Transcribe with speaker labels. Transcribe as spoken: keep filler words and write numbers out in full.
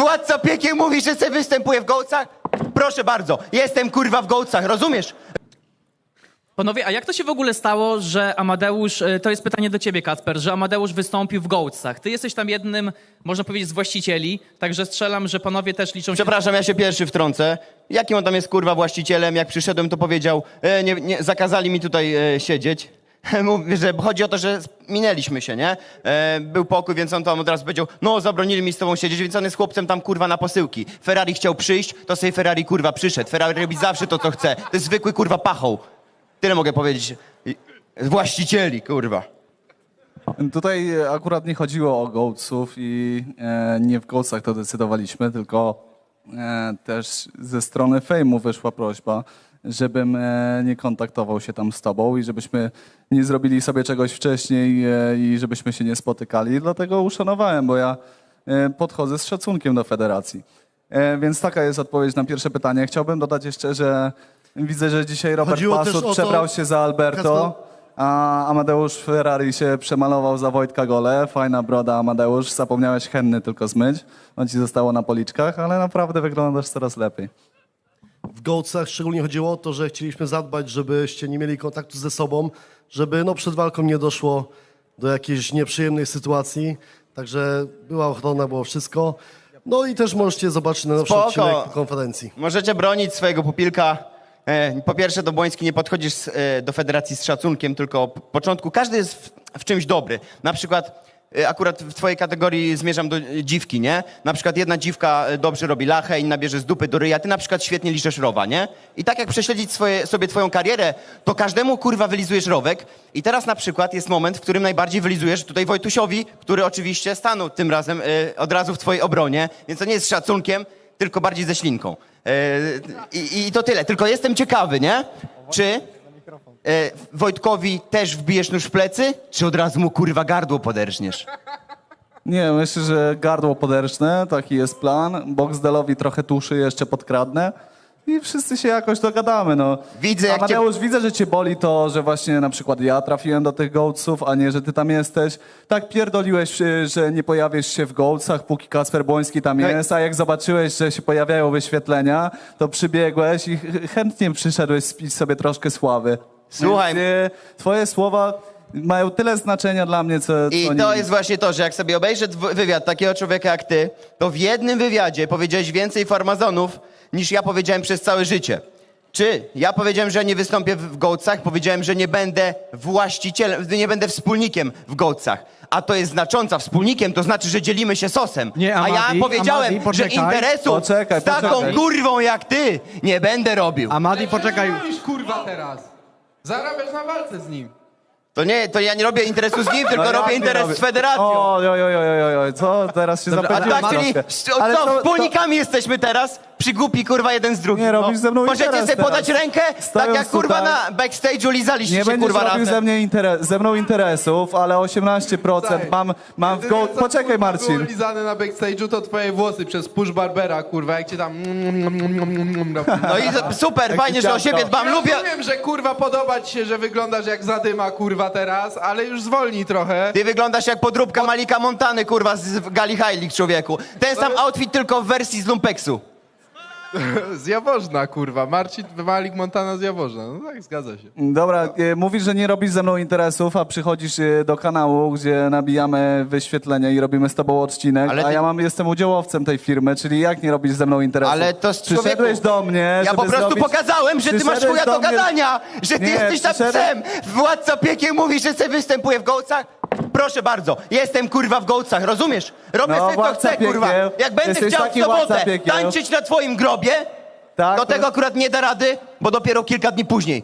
Speaker 1: Władca piekieł mówi, że se występuje w gołcach? Proszę bardzo, jestem kurwa w gołcach, rozumiesz?
Speaker 2: Panowie, a jak to się w ogóle stało, że Amadeusz, e, to jest pytanie do ciebie, Kacper, że Amadeusz wystąpił w Gołcach? Ty jesteś tam jednym, można powiedzieć, z właścicieli, także strzelam, że panowie też liczą się...
Speaker 1: Przepraszam, ja się pierwszy wtrącę. Jakim on tam jest kurwa właścicielem? Jak przyszedłem, to powiedział, e, nie, nie, zakazali mi tutaj e, siedzieć. Mówi, że chodzi o to, że minęliśmy się, nie? E, był pokój, więc on tam od razu powiedział, no zabronili mi z tobą siedzieć, więc on jest chłopcem tam kurwa na posyłki. Ferrari chciał przyjść, to sobie Ferrari kurwa przyszedł. Ferrari robi zawsze to, co chce. To jest zwykły kurwa pachoł. Tyle mogę powiedzieć. Właścicieli, kurwa.
Speaker 3: Tutaj akurat nie chodziło o Gołców i e, nie w Gołcach to decydowaliśmy, tylko e, też ze strony Fejmu wyszła prośba, żebym e, nie kontaktował się tam z tobą i żebyśmy nie zrobili sobie czegoś wcześniej e, i żebyśmy się nie spotykali. Dlatego uszanowałem, bo ja e, podchodzę z szacunkiem do federacji. E, więc taka jest odpowiedź na pierwsze pytanie. Chciałbym dodać jeszcze, że widzę, że dzisiaj Robert
Speaker 4: Chodziło też
Speaker 3: Pasut
Speaker 4: o to-
Speaker 3: przebrał się za Alberto, a Amadeusz Ferrari się przemalował za Wojtka Gole. Fajna broda, Amadeusz. Zapomniałeś henny tylko zmyć. On ci zostało na policzkach, ale naprawdę wyglądasz coraz lepiej.
Speaker 4: W Gołcach szczególnie chodziło o to, że chcieliśmy zadbać, żebyście nie mieli kontaktu ze sobą, żeby no, przed walką nie doszło do jakiejś nieprzyjemnej sytuacji. Także była ochrona, było wszystko. No i też możecie zobaczyć na nowszy
Speaker 1: Spoko.
Speaker 4: odcinek konferencji.
Speaker 1: Możecie bronić swojego pupilka. E, Po pierwsze, do Błoński nie podchodzisz z, e, do federacji z szacunkiem, tylko od początku. Każdy jest w, w czymś dobry. Na przykład e, akurat w twojej kategorii zmierzam do e, dziwki, nie? Na przykład jedna dziwka e, dobrze robi lachę, inna bierze z dupy do ryja. Ty na przykład świetnie liczesz rowa, nie? I tak jak prześledzić swoje, sobie twoją karierę, to każdemu kurwa wylizujesz rowek. I teraz na przykład jest moment, w którym najbardziej wylizujesz tutaj Wojtusiowi, który oczywiście stanął tym razem e, od razu w twojej obronie. Więc to nie jest z szacunkiem, tylko bardziej ze ślinką. E, I, I to tyle. Tylko jestem ciekawy, nie? Czy e, Wojtkowi też wbijesz nóż w plecy, czy od razu mu kurwa gardło poderżniesz?
Speaker 3: Nie, myślę, że gardło poderczne, taki jest plan. Boxdelowi trochę tuszy jeszcze podkradnę i wszyscy się jakoś dogadamy. No.
Speaker 1: Widzę, jak cię-
Speaker 3: Amadeusz, widzę, że cię boli to, że właśnie na przykład ja trafiłem do tych Gołców, a nie, że ty tam jesteś. Tak pierdoliłeś, y, że nie pojawisz się w Gołcach, póki Kacper Błoński tam
Speaker 1: No i-
Speaker 3: jest, a jak zobaczyłeś, że się pojawiają wyświetlenia, to przybiegłeś i ch- chętnie przyszedłeś spić sobie troszkę sławy.
Speaker 1: Słuchaj-
Speaker 3: Więc, y, twoje słowa mają tyle znaczenia dla mnie, co...
Speaker 1: I
Speaker 3: co
Speaker 1: to
Speaker 3: nie-
Speaker 1: jest właśnie to, że jak sobie obejrzę dw- wywiad takiego człowieka jak ty, to w jednym wywiadzie powiedziałeś więcej farmazonów, niż ja powiedziałem przez całe życie. Czy ja powiedziałem, że nie wystąpię w w Gołcach, powiedziałem, że nie będę właścicielem, nie będę wspólnikiem w Gołcach. A to jest znacząca. Wspólnikiem to znaczy, że dzielimy się sosem.
Speaker 5: Nie,
Speaker 1: A ja
Speaker 5: Amadi,
Speaker 1: powiedziałem,
Speaker 5: Amadi,
Speaker 1: że
Speaker 5: poczekaj.
Speaker 1: interesu
Speaker 3: Poczekaj,
Speaker 1: z taką
Speaker 3: poczekaj.
Speaker 1: kurwą jak ty nie będę robił.
Speaker 5: Amadi, poczekaj.
Speaker 6: Robisz kurwa teraz. Zarabiasz na walce z nim.
Speaker 1: To nie, to ja nie robię interesu z nim, tylko
Speaker 3: No jak
Speaker 1: robię
Speaker 3: nie
Speaker 1: interes
Speaker 3: robię?
Speaker 1: z federacją.
Speaker 3: Oj, oj, oj, oj, oj, oj, co? Teraz się
Speaker 5: Dobra,
Speaker 1: A
Speaker 3: zapędziłem
Speaker 1: tak, czyli
Speaker 3: troszkę.
Speaker 1: s- o
Speaker 3: Ale
Speaker 1: co,
Speaker 3: to-
Speaker 1: wspólnikami jesteśmy teraz? Przygłupi kurwa jeden z drugim.
Speaker 3: Nie robisz ze mną
Speaker 1: Możecie
Speaker 3: interes
Speaker 1: sobie podać
Speaker 3: teraz.
Speaker 1: rękę, tak
Speaker 3: Stojąc
Speaker 1: jak kurwa
Speaker 3: tutaj.
Speaker 1: na backstage'u lizaliście
Speaker 3: Nie
Speaker 1: się
Speaker 3: będziesz
Speaker 1: kurwa
Speaker 3: robił ze,
Speaker 1: razem.
Speaker 3: mnie interes, ze mną interesów, ale osiemnaście procent mam, mam w go... Poczekaj,
Speaker 6: Było
Speaker 3: Marcin.
Speaker 6: lizane na backstage'u to twoje włosy przez push barbera, kurwa, jak cię tam...
Speaker 1: No i super, fajnie, że o siebie dbam.
Speaker 6: Ja
Speaker 1: Lubię...
Speaker 6: rozumiem, że kurwa podoba ci się, że wyglądasz jak zadyma, kurwa, teraz, ale już zwolnij trochę.
Speaker 1: Ty wyglądasz jak podróbka Malika Montany, kurwa, z w Gali Heilig, człowieku. Ten sam outfit, tylko w wersji z Lumpeksu.
Speaker 6: Z Jaworzna, kurwa. Marcin Malik Montana z Jaworzna. No tak, zgadza się.
Speaker 3: Dobra, e, mówisz, że nie robisz ze mną interesów, a przychodzisz e, do kanału, gdzie nabijamy wyświetlenia i robimy z tobą odcinek,
Speaker 1: Ale
Speaker 3: a
Speaker 1: ty-
Speaker 3: ja mam, jestem udziałowcem tej firmy, czyli jak nie robisz ze mną interesów?
Speaker 1: Ale to z
Speaker 3: Przyszedłeś
Speaker 1: człowieku-
Speaker 3: do mnie,
Speaker 1: Ja
Speaker 3: żeby
Speaker 1: po prostu
Speaker 3: zrobić...
Speaker 1: pokazałem, że ty masz
Speaker 3: Przyszedłeś
Speaker 1: chuja
Speaker 3: do
Speaker 1: do
Speaker 3: mnie-
Speaker 1: gadania, że ty
Speaker 3: Nie,
Speaker 1: jesteś tam
Speaker 3: przyszedłeś-
Speaker 1: psem. Władca piekieł mówi, że se występuje w Gołcach. Proszę bardzo, jestem kurwa w Gołcach, rozumiesz? Robię
Speaker 3: No,
Speaker 1: sobie co
Speaker 3: władca
Speaker 1: chcę, kurwa.
Speaker 3: piekieł.
Speaker 1: Jak będę
Speaker 3: Jesteś
Speaker 1: chciał w
Speaker 3: taki władca
Speaker 1: sobotę
Speaker 3: piekieł.
Speaker 1: tańczyć na twoim grobie,
Speaker 3: Tak,
Speaker 1: do
Speaker 3: to-
Speaker 1: tego akurat nie da rady, bo dopiero kilka dni później.